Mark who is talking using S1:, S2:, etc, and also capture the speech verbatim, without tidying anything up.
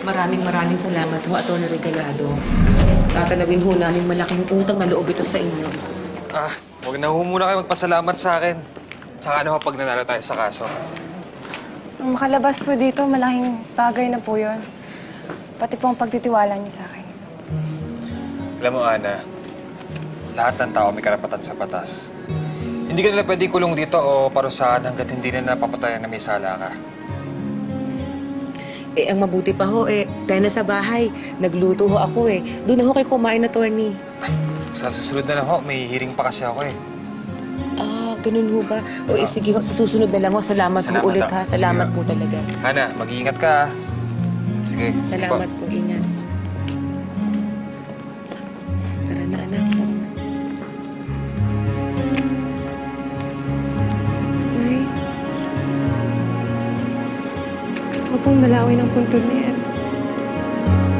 S1: Maraming maraming salamat ho, Atty. Regalado. Tatanawin ho namin malaking utang na loob ito sa inyo.
S2: Ah, huwag na ho muna kayo magpasalamat sa akin. Tsaka ano ho pag nanalo tayo sa kaso.
S3: Ang makalabas po dito, malaking bagay na po yun. Pati po ang pagtitiwala niyo sa akin.
S2: Alam mo, Ana, lahat ng tao may karapatan sa batas. Hindi ka nila pwedeng kulong dito o parusahan hanggat hindi na napapatayan na may sala ka.
S1: Eh, ang mabuti pa ho, eh, tayo na sa bahay. Nagluto ho ako eh. Doon na ho kayo kumain, Atty.
S2: Sa susunod na lang ho, may hearing pa kasi ako eh.
S1: Ah, ganun ho ba? O eh, sige ho, sa susunod na lang ho. Salamat,
S2: Salamat
S1: po ulit
S2: ho.
S1: ha. Salamat
S2: Sige.
S1: po talaga.
S2: Ana, mag-iingat ka. Sige, sige po.
S1: Salamat po, ingat. Tara na, anak. Tara na. Nay. Gusto ko pong dalawin ang puntod na yan.